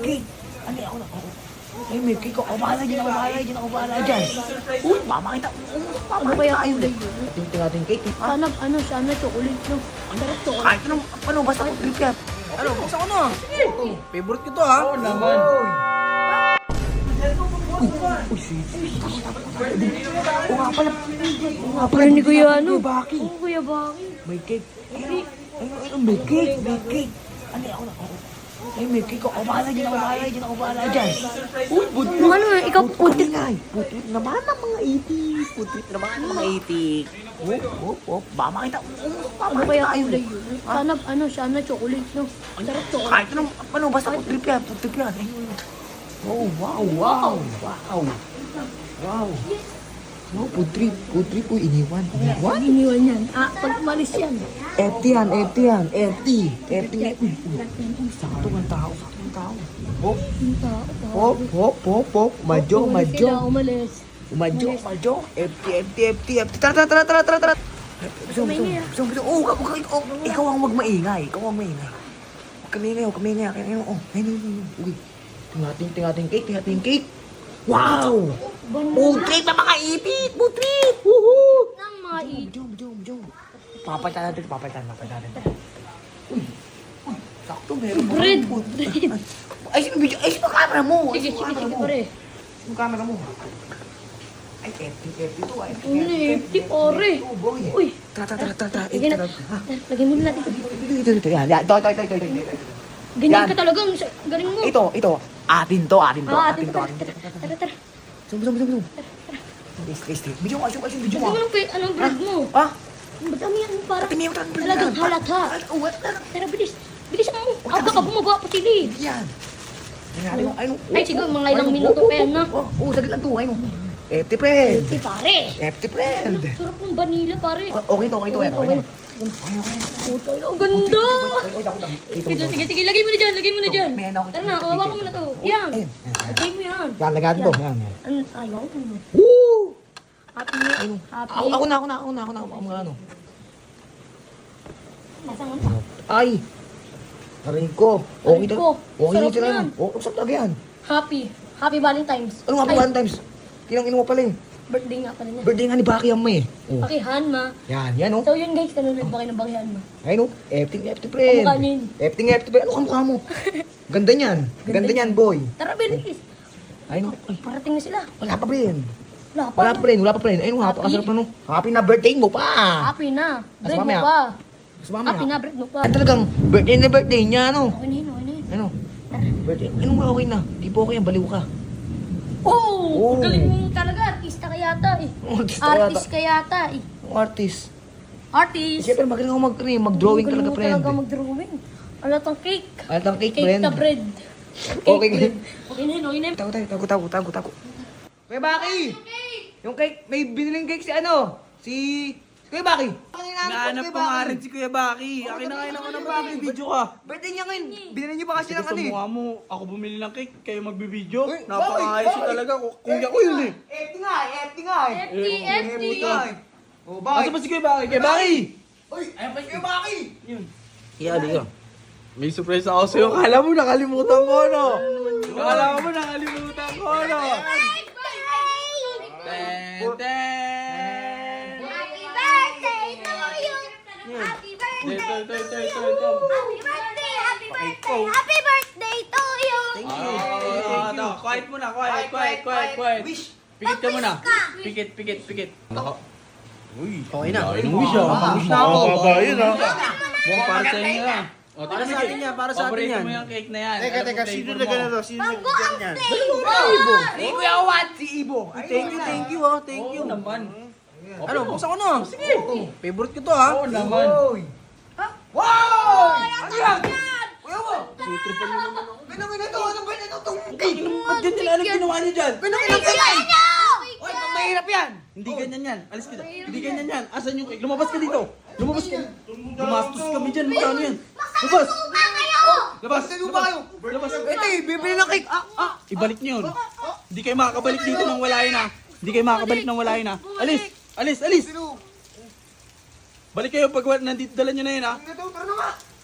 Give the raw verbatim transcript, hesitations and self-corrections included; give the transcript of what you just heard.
cake. Ano ako na, ako. Ay, may cake ako. Bahala dyan, ako bahala dyan, ako bahala dyan. Uy, mamakita. Ano kaya tayo. kulay yun? Tingting natin cake. Ha? Sana, ano, sana chocolate, no? Ang sarap chocolate. Kahit anong, ano, basta ako trip yan. Ano, buksan ko na. Sige. Favorite ko to ha. Oo naman. Uy, sisi. Oo nga pala. Oo nga pala. Pero ni Kuya ano? Kuya Baki. Oo, Kuya Baki. May cake. Ayun, ayun, ayun, may cake, may cake. Ano ako na, ako. Ay, may cake ako. Bahala dyan, ako bahala dyan, ako bahala dyan. Uy, budlit. Yung ano, ikaw Putrit nga eh. Putrit naman ang mga itik. Putrit naman ang mga itik. Hop, hop, hop. Baka makita. Ano kaya kulay yun? Sana, ano, sana chocolate, no? Ang sarap chocolate. Kahit anong, ano, basta putrip yan, putrip yan. Ayun. Oh, wow, wow, wow. Wow. Wow, putrip, putrip po, iniwan. Iniwan? Iniwan yan. Ah, pag umalis yan. Empty yan, empty yan, empty. Empty nga. Uy, uy. Sakto ang tao, sakto ang tao. Hop, Ang tao, tao. hop, hop, hop, hop. Madyo, Umalis madyo. sila, umalis. Umadyo, umadyo. Empty, empty, empty, empty. Tara, tara, tara, tara, tara, tara. Bisong, bisong, bisong, bisong. Oh, ikaw, ikaw, ikaw ang wag maingay. Ikaw ang maingay. Huwag kami ingay, huwag kami ingay. Ayun, oh, ayun, ayun, ayun. Uy, tingating, tingating cake, tingating cake. Wow! Putrip na mga ipit! Putrip! Woohoo! Nang mga i- Jom, jom, jom. Papalitan natin, papalitan, papalitan natin. Uy, uy, sakto, meron mo. Bread. Ay, sino video? Ay, sino camera mo? Ay, Sige, sino sige, camera sige, mo? pare. Sino camera mo? Ay, empty, empty to. Ay, Ano na, empty, pare. Oh, boy. Uy. Tara, tara, tara, tara. Lagyan na. Ha? Lagyan mo na natin. Ito, ito, ito. Yan, yan. Ito, ito, ito, ito, ito. Ganyan Yan. ka talaga. ang sa- Galing mo. Ito, ito. Atin to, atin to. Ah, Atin atin to, pa. atin to. Tara, tara, tara. Zoom, zoom, zoom, zoom. Please, please, please. Video mo, asyung, asyung video Lagyan mo. mo ng pe- anong bread mo. Ha? Madami yan. Parang Pati may utang bread talagang yan. halata. Oh, what? Tara, bilis. Bilis mo. Aga ka bumaba pa sila eh. Yan. Nangyari mo, ayun. Ay, siguro mga ilang minuto pa yan, no? Oh, oh, saglit lang to, ayun. Empty friend. Si pare. Empty friend. Sarap ng vanilla, pare. Okay to, okay to, okay to. Okay to. Puto, ang ganda. Oy, dako, dako. Ito, Sige, ito. sige, sige. Lagay mo na dyan. Lagay mo na dyan. May ano ako. Tara na, kawawa ko muna to. Yan. Ayun. Lagay mo yan. Yan, lagyan to. Yan, yan. Ano, ayaw ko. Woo! Happy. Ayun. Happy. Ako, ako na, ako na, ako na, ako na. Ako na, ano. Nasaan mo? Ay! Narinig ko. Okay Narinig na. ko. Okay na Sarap sila. yan. Oh, sarap talaga yan. Happy. Happy Valentine's. Ano nga po, Ay, one times? Kinang ino mo pala eh. birthday nga pala niya. Birthday nga ni Baki ang may. Oh. Pakihan, ma. Yan, yan oh. So yun guys, nanonood ba kayo ng Pakihan, ma? Ayun oh. Efting, efting friend. Kamukha niya yun. Efting, efting friend. Ano kamukha mo? Ganda niyan. Ganda niyan, boy. Tara, bilis. Ayun oh. Ay, Parating na sila. wala pa friend. Wala pa. Wala pa friend, wala pa friend. Ayun, Happy. napakasarap na no. Happy na birthday mo pa. Happy na. Mas Bread mo mamaya. pa. Mas mamaya. Happy na, bread mo pa. Ay, talagang birthday na birthday niya, no? Okay na yun, okay na yun. Ano? Birthday. Anong okay na? Di po okay, baliw ka. Oh, Oh. galing mo talaga. Artista ka yata eh. Oh, artista ka Artist ka yata eh. Ang artist. Artist. Siyempre, magaling ako mag, ano, mag-drawing Galing talaga, mo friend. talaga mag-drawing. Alatang cake. Alat ang cake, Cake friend. na bread. Okay, Cake bread. Okay na yun, okay na yun. Tago tayo, tago, tago, tago, tago. Kuya Baki! Yung cake, may biniling cake si ano? Si... Si Kuya Baki. Nahanap pa nga rin si Kuya Baki. Akin na ngayon ako ng Baki. Video ka. Birthday niya ngayon. Binili niyo pa kasi Kasi ng sa ano eh. mukha mo, ako bumili ng cake, kayo magbibideo. Uy, Napakaayos bakit? yun talaga. Ku- Kuya ko yun eh. Empty nga eh, empty nga eh. Empty, empty. Oh, Asa ba si Kuya Baki? Kuya Baki! Uy, ayun pa si Kuya Baki! Yun. Kaya ka. May surprise ako sa'yo. Kala mo nakalimutan ko, no? Kala mo nakalimutan ko, no? Ten, ten! Happy birthday to you. Happy birthday. Ito, ito, ito, ito, ito. Happy birthday. Happy birthday. Happy birthday to you. Ah, ito. Quiet muna, quiet, quiet, quiet, quiet. Wish. Pikit ka muna. Pikit, pikit, pikit. Uy, Okay na. Ay, nung wish ah. Wish na ako. Baba yun ah. Mukhang para sa inyo ah. O, Para sa atin yan, para sa atin yan. Paborito mo yung cake na yan. Teka, Ano teka, pong sino flavor na mo? ganito? Sino na Mango ang ganyan? flavor. Si Kuya Wat, si Ibo. Thank you, thank you, oh, thank you. Oo naman. Ano, buksan ko na. Sige. Favorite ko to, ha? Oo naman. Uy. Wow! Ano yan? Kuya mo! Sutripan nyo naman ako. Ganun ganito, ano ba yan itong Ba't yan nila? Anong ginawa niyo dyan? Ganun ganito yan! Uy, pag mahirap yan! Hindi ganyan yan. Alis ka dyan. Hindi ganyan yan. Asan yung cake? Lumabas ka dito. Lumabas ka. Gumastos kami dyan. Magkano yan? Labas. Suka kayo. Labas. Sino ba kayo? Labas. Ito eh, bibili ng cake. Ah, ah. Ibalik niyo yun. Hindi kayo makakabalik dito nang wala yun, ha? Hindi kayo makakabalik nang wala yun, ha? Alis. Alis, alis. Sino? Balik kayo pag wa- nandito dala nyo na yun, ha? Ito, tara na nga.